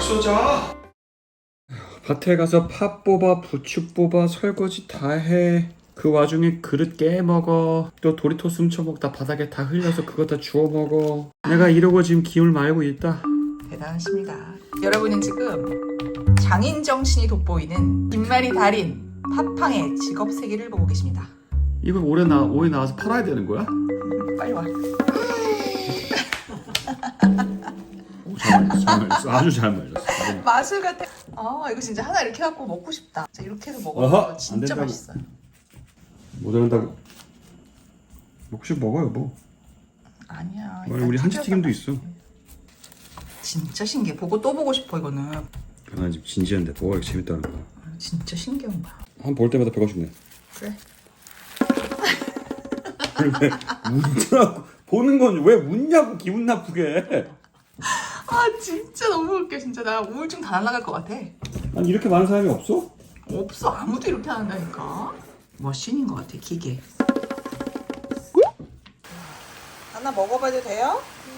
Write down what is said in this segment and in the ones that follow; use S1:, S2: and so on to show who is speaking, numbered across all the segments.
S1: 쏘자. 밭에 가서 팥 뽑아, 부추 뽑아, 설거지 다 해. 그 와중에 그릇 깨먹어. 또 도리토스 훔쳐먹다 바닥에 다 흘려서 그거 다 주워먹어. 내가 이러고 지금 기운을 말고 있다.
S2: 대단하십니다. 여러분은 지금 장인 정신이 돋보이는 김말이 달인 팥팡의 직업 세계를 보고 계십니다.
S1: 이거 올해 나와서 팔아야 되는 거야?
S2: 빨리 와.
S1: 오, 잘 말렸어. 아주 잘 말렸어.
S2: 마술 같아. 이거 진짜 하나 이렇게 갖고 먹고 싶다. 진짜 이렇게 해서 먹으면
S1: 어허,
S2: 진짜
S1: 안 된다고.
S2: 맛있어요.
S1: 못 한다고. 혹시 먹어요 뭐.
S2: 아니야.
S1: 우리 한치튀김도 있어.
S2: 진짜 신기해. 보고 또 보고 싶어 이거는.
S1: 나 지금 진지한데 뭐가 이렇게 재밌다는 거야.
S2: 진짜 신기한 거야.
S1: 한 볼 때마다 배고 싶네.
S2: 그래.
S1: 왜 웃냐고. 보는 건 왜 웃냐고 기분 나쁘게.
S2: 진짜 너무 웃겨. 진짜 나 우울증 다 날아갈 것 같아.
S1: 아니 이렇게 많은 사람이 없어?
S2: 없어. 아무도 이렇게 안 한다니까. 머신인 것 같아. 기계. 하나 먹어봐도 돼요?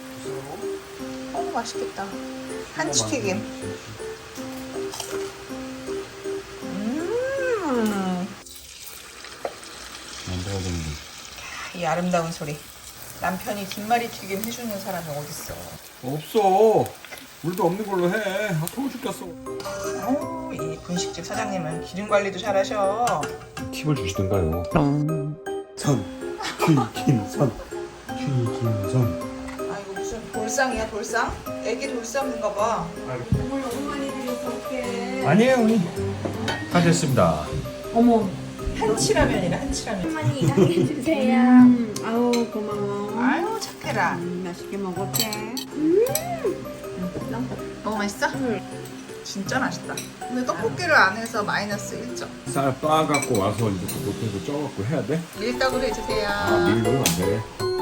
S2: 맛있겠다. 한치튀김. 이 아름다운 소리. 남편이 김말이 튀김 해주는 사람이 어딨어.
S1: 없어. 우리도 없는 걸로 해. 더워 죽겠어.
S2: 이 분식집 사장님은 기름 관리도 잘하셔.
S1: 팁을 주시던가요. 선. 튀김선. 튀김선.
S2: 이거 무슨 돌상이야 돌상? 애기 돌상인가 봐.
S3: 어머 너무 많이 드려서 어떡해.
S1: 아니에요 언니. 다 됐습니다.
S3: 어머
S2: 한치라면이라 한치라면.
S3: 많이 일하게 주세요. 아우 고마워.
S2: 아유 착해라.
S3: 맛있게 먹을게.
S2: 너무 맛있어? 진짜 맛있다. 근데 떡볶이를 안 해서 마이너스 1점.
S1: 쌀 빻아갖고 와서 이제 못해서 쪄갖고 해야 돼?
S2: 밀가루로 해주세요.
S1: 밀면 안 돼.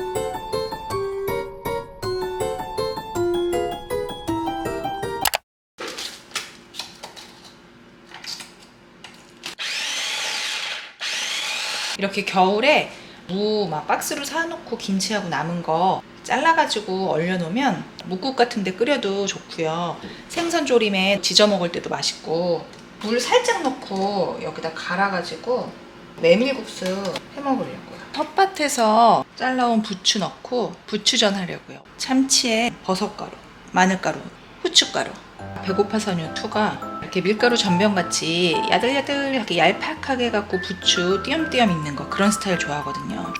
S2: 이렇게 겨울에 무 막 박스로 사놓고 김치하고 남은 거 잘라가지고 얼려놓으면 묵국 같은 데 끓여도 좋고요. 생선 조림에 지져 먹을 때도 맛있고, 물 살짝 넣고 여기다 갈아가지고 메밀국수 해 먹으려고요. 텃밭에서 잘라온 부추 넣고 부추전 하려고요. 참치에 버섯가루, 마늘가루, 후춧가루. 배고파 선유 2가 이렇게 밀가루 전병같이 야들야들하게 얄팍하게 해갖고 부추 띄엄띄엄 있는 거, 그런 스타일 좋아하거든요.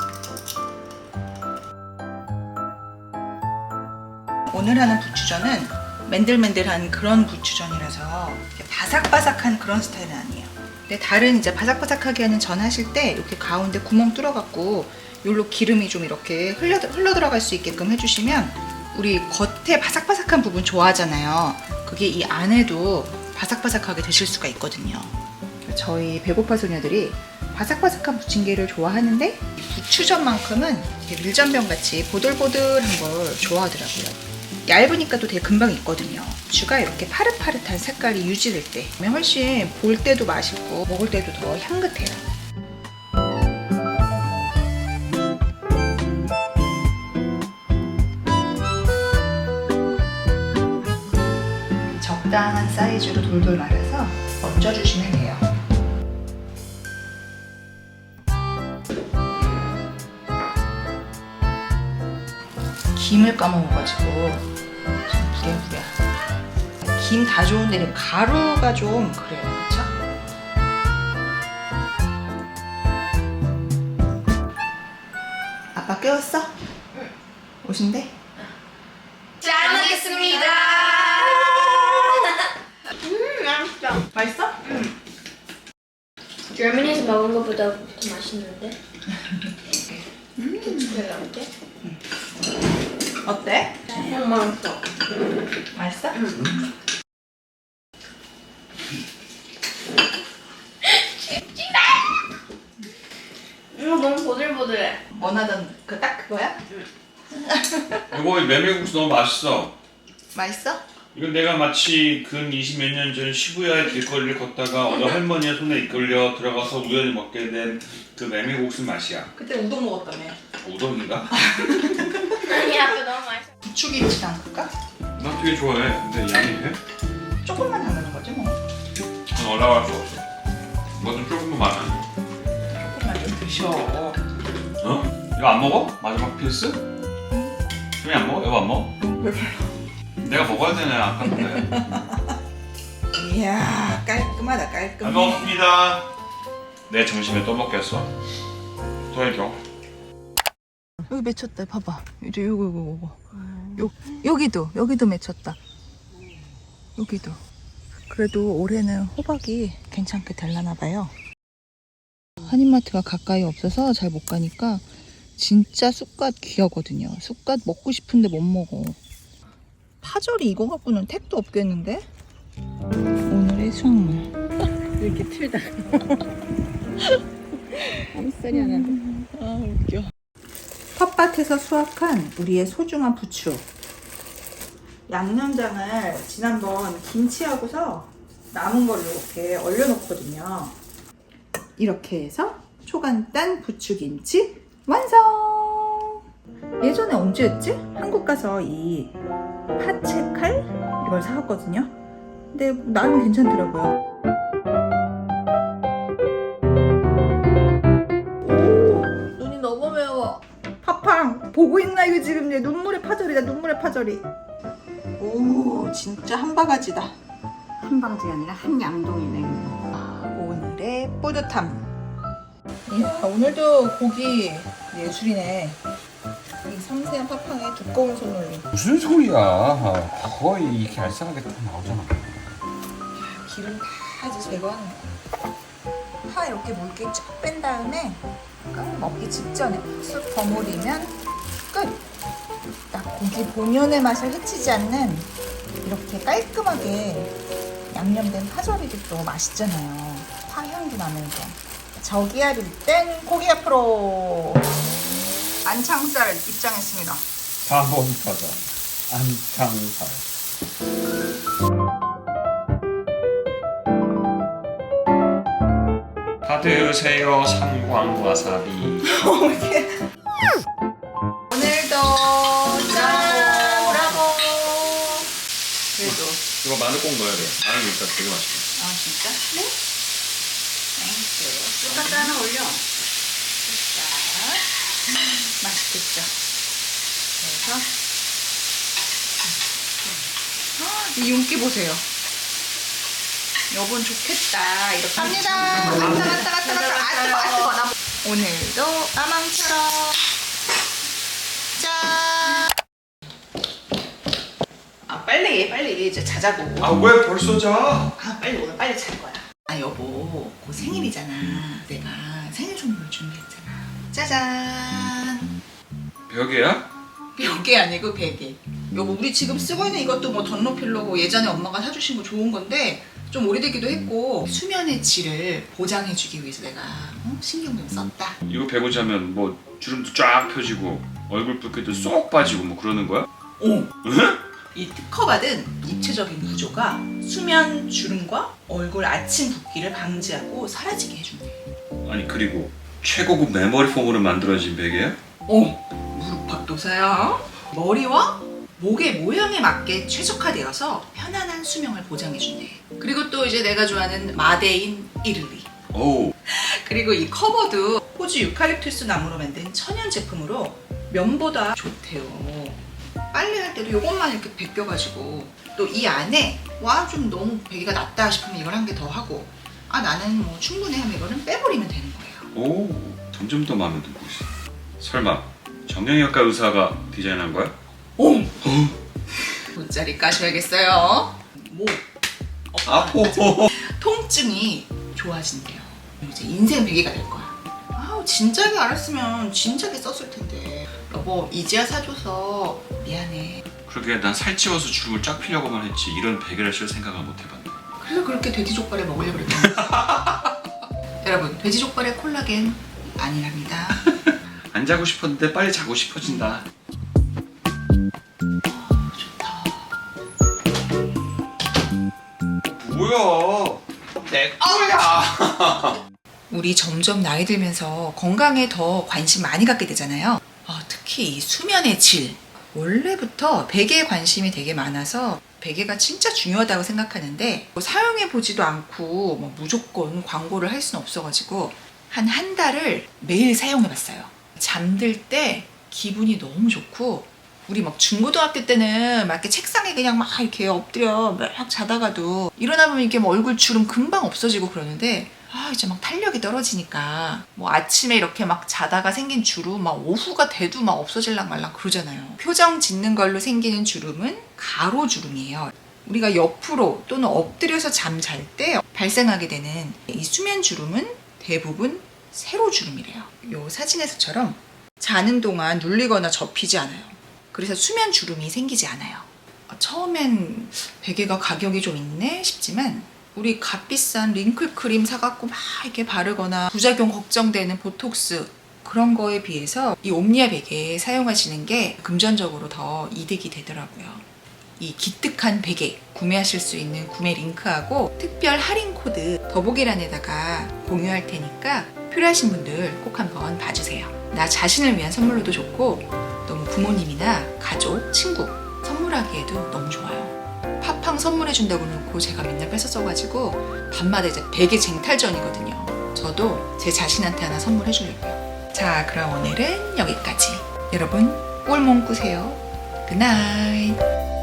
S2: 오늘 하는 부추전은 맨들맨들한 그런 부추전이라서 바삭바삭한 그런 스타일은 아니에요. 근데 다른 이제 바삭바삭하게 하는 전 하실 때 이렇게 가운데 구멍 뚫어갖고 요로 기름이 좀 이렇게 흘러 들어갈 수 있게끔 해주시면, 우리 겉에 바삭바삭한 부분 좋아하잖아요. 그게 이 안에도 바삭바삭하게 드실 수가 있거든요. 저희 배고파 소녀들이 바삭바삭한 부침개를 좋아하는데 부추전만큼은 밀전병같이 보들보들한 걸 좋아하더라고요. 얇으니까 또 되게 금방 익거든요. 부추가 이렇게 파릇파릇한 색깔이 유지될 때 훨씬 볼 때도 맛있고 먹을 때도 더 향긋해요. 적당한 사이즈로 돌돌 말아서 얹어주시면 돼요. 김을 까먹어가지고 좀 부랴부랴. 김 다 좋은데 가루가 좀 그래요, 그렇죠? 아빠 깨웠어? 응. 오신대?
S3: 잘 먹겠습니다. 맛있다.
S2: 맛있어?
S4: germany에서 먹은 것보다 더 맛있는데? 부추가 어때?
S2: 어때?
S4: 맛있어.
S2: 맛있어?
S4: 이거 너무 보들보들해.
S2: 원하던 딱 그거야?
S1: 이거 메밀국수 너무 맛있어.
S2: 맛있어?
S1: 이건 내가 마치 근 20몇 년 전 시부야의 길거리를 걷다가 어느 할머니의 손에 이끌려 들어가서 우연히 먹게 된 그 메밀국수 맛이야.
S2: 그때 우동 먹었다며.
S1: 우동인가?
S4: 아니 아빠 너무 맛있어.
S2: 부추김치 담글까?
S1: 난 되게 좋아해. 근데 양이 돼?
S2: 조금만 담그는 거지 뭐.
S1: 그건 올라갈 수 없어. 뭐든 조금만 많아.
S2: 조금만 좀 드셔.
S1: 어? 이거 안 먹어? 마지막 필스? 수미 안 먹어? 이거 안 먹어?
S2: 왜 별로?
S1: 내가 먹어야 되네 아까운데.
S2: 이야 깔끔하다 깔끔해.
S1: 잘 먹었습니다. 내 점심에 또 먹겠어. 또 해줘.
S2: 여기 맺혔다. 봐봐. 이제 요거. 여기도 맺혔다. 여기도. 그래도 올해는 호박이 괜찮게 될라나 봐요. 한인마트가 가까이 없어서 잘 못 가니까 진짜 쑥갓 귀하거든요. 쑥갓 먹고 싶은데 못 먹어. 파절이 이거 갖고는 택도 없겠는데? 오늘의 수확물.
S3: 이렇게 틀다. 아무 소리 안 하네.
S2: 아 웃겨. 텃밭에서 수확한 우리의 소중한 부추. 양념장을 지난번 김치하고서 남은 걸로 이렇게 얼려놓거든요. 이렇게 해서 초간단 부추김치 완성! 예전에 언제였지? 한국 가서 이 파채칼 이걸 사왔거든요. 근데 나름 괜찮더라고요.
S4: 눈이 너무 매워.
S2: 팡팡 보고 있나 이거 지금 내 눈물의 파절이다. 눈물의 파절이. 오 진짜 한 바가지다.
S3: 한 방지가 아니라 한 양동이네.
S2: 오늘의 뿌듯함. 이야, 오늘도 고기 예술이네. 이 섬세한 팡팡에 두꺼운 손놀림.
S1: 무슨 소리야? 거의 이렇게 알싸하게 다 나오잖아.
S2: 기름 다 이제 제거하는 거야. 파 이렇게 물기 쫙 뺀 다음에 먹기 직전에 쑥 버무리면 끝. 딱 고기 본연의 맛을 해치지 않는 이렇게 깔끔하게 양념된 파절이도 또 맛있잖아요. 파 향도 나면서. 저기압일 땐 고기 앞으로. 안창살 입장했습니다.
S1: 4번 타자 안창살. 받으세요 삼광와사비.
S2: 오늘도 짠! 브라보! 그래도
S1: 이거 마늘 꼭 넣어야 돼. 마늘 일단 되게 맛있어.
S2: 아 진짜? 네? 땡큐.
S3: 똑같이 하나 올려.
S2: 자, 맛있겠죠? 그래서 이 윤기 보세요. 여분 좋겠다. 이렇게 합니다. 갔다. 오늘도 까망처럼 짠. 아 빨리 이제 자자고.
S1: 아 왜 벌써 자?
S2: 아 빨리 오늘 빨리 잘 거야. 아 여보, 곧 생일이잖아. 내가 생일 선물 준비했잖아. 짜잔.
S1: 벽이야?
S2: 몇 개 아니고 100개. 여보, 우리 지금 쓰고 있는 이것도 뭐 던로필러고 예전에 엄마가 사주신 거 좋은 건데 좀 오래되기도 했고 수면의 질을 보장해주기 위해서 내가 신경 좀 썼다.
S1: 이거 베고 자면 뭐 주름도 쫙 펴지고 얼굴 붉기도 쏙 빠지고 뭐 그러는 거야?
S2: 오. 이 특허받은 입체적인 구조가 수면 주름과 얼굴 아침 붓기를 방지하고 사라지게 해준대.
S1: 아니 그리고 최고급 메모리 폼으로 만들어진 베개야?
S2: 오, 무릎 박도사야. 머리와 목의 모양에 맞게 최적화되어서 편안한 수명을 보장해준대. 그리고 또 이제 내가 좋아하는 마데인 이를리.
S1: 오.
S2: 그리고 이 커버도 호주 유칼립투스 나무로 만든 천연 제품으로 면보다 좋대요. 빨래할 때도 이것만 이렇게 벗겨가지고 또 이 안에 와 좀 너무 베개가 낮다 싶으면 이걸 한 개 더 하고 아 나는 뭐 충분해 하면 이거는 빼버리면 되는 거예요.
S1: 오. 점점 더 마음에 들고 있어. 설마 정형외과 의사가 디자인한 거야?
S2: 오! 돗자리 까셔야겠어요. 목,
S1: 아포.
S2: 통증이 좋아진대요. 이제 인생 베개가 될 거야. 아우 진작에 알았으면 진작에 썼을 텐데. 여보 이제야 사줘서 미안해.
S1: 그러게 난 살찌워서 주름을 쫙 피려고만 했지 이런 베개를 쓸 생각을 못 해봤네.
S2: 그래서 그렇게 돼지족발을 먹으려고 그랬잖아. 여러분 돼지족발의 콜라겐 아니랍니다.
S1: 안 자고 싶었는데 빨리 자고 싶어진다.
S2: 좋다.
S1: 뭐야? 내 거야.
S2: 우리 점점 나이 들면서 건강에 더 관심 많이 갖게 되잖아요. 특히 이 수면의 질. 원래부터 베개에 관심이 되게 많아서 베개가 진짜 중요하다고 생각하는데 뭐 사용해 보지도 않고 뭐 무조건 광고를 할 수는 없어가지고 한 달을 매일 사용해 봤어요. 잠들 때 기분이 너무 좋고, 우리 막 중고등학교 때는 막 이렇게 책상에 그냥 막 이렇게 엎드려 막 자다가도 일어나 보면 이렇게 뭐 얼굴 주름 금방 없어지고 그러는데, 이제 막 탄력이 떨어지니까 뭐 아침에 이렇게 막 자다가 생긴 주름 막 오후가 돼도 막 없어질랑 말랑 그러잖아요. 표정 짓는 걸로 생기는 주름은 가로주름이에요. 우리가 옆으로 또는 엎드려서 잠잘 때 발생하게 되는 이 수면 주름은 대부분 세로주름이래요. 이 사진에서처럼 자는 동안 눌리거나 접히지 않아요. 그래서 수면 주름이 생기지 않아요. 처음엔 베개가 가격이 좀 있네 싶지만, 우리 값비싼 링클 크림 사갖고 막 이렇게 바르거나 부작용 걱정되는 보톡스 그런 거에 비해서 이 옴니아 베개 사용하시는 게 금전적으로 더 이득이 되더라고요. 이 기특한 베개 구매하실 수 있는 구매 링크하고 특별 할인 코드 더보기란에다가 공유할 테니까 필요하신 분들 꼭 한번 봐주세요. 나 자신을 위한 선물로도 좋고, 너무 부모님이나 가족, 친구 선물하기에도 너무 좋아요. 팥팡 선물해준다고 놓고 제가 맨날 뺏어 써가지고 밤마다 이제 베개 쟁탈전이거든요. 저도 제 자신한테 하나 선물해주려고요. 자, 그럼 오늘은 여기까지. 여러분 꿀몽 꾸세요. 굿나잇.